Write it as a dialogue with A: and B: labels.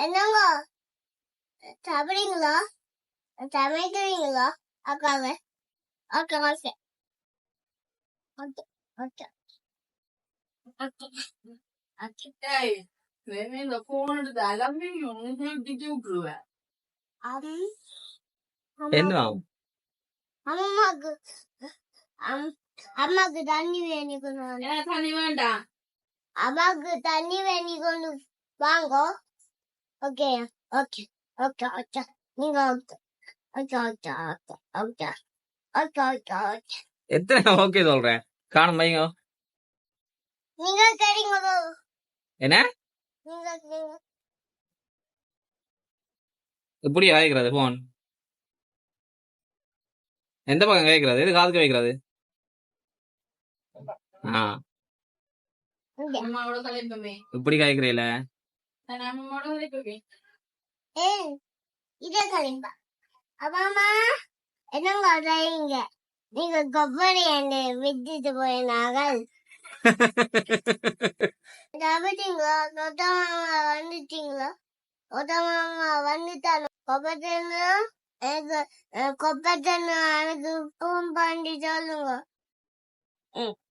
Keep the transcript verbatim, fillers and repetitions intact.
A: என்னங்க சாப்பிடுறீங்களா சமைக்கிறீங்களா அக்காங்க okay okay okay okay okay okay
B: ஏய் வேணே இந்த போன் எடுத்து அலம்பி ஒன்னும் திட்டி விட்டுருவேன்.
A: அம்
C: என்ன
A: அம்மாக்கு அம்- அம்மாக்கு தண்ணி வேணி கொண்டு வாங்க
B: எனக்கு தண்ணி வேண்டாம்.
A: அம்மாக்கு தண்ணி வேணி கொண்டு வாங்க ஓகே ஓகே ஓகே ஓகே நீங்க okay okay okay okay okay okay okay okay
C: எத்தனை ஓகே சொல்றேன் காணும் பையங்க
A: நீங்க சரிங்க
C: என்ன
A: நீங்க நீங்க
C: இப்படி கேட்கறது போன் எந்த பக்கம் கேட்கறது எது காதுக்கு வைக்கிறது ஆ
A: இங்க.
B: அம்மாவோட கலைப்பமே
C: இப்படி கேட்கறீல
B: நான் அம்மாவோட கலைப்பமே
A: ஏய் இதே கலிம்பா அம்மா என்னங்க செய்யுங்க நீங்க கொப்பரை என்னை விட்டுட்டு போயினார்கள் சாப்பிட்டீங்களா நொட்ட மாமா வந்துட்டீங்களா நொட்ட மாமா வந்துட்டாங்க கொப்பத்தன்னு எனக்கு கொப்பத்தன்னு எனக்கு ஃபோன் பண்ணி சொல்லுங்க ம்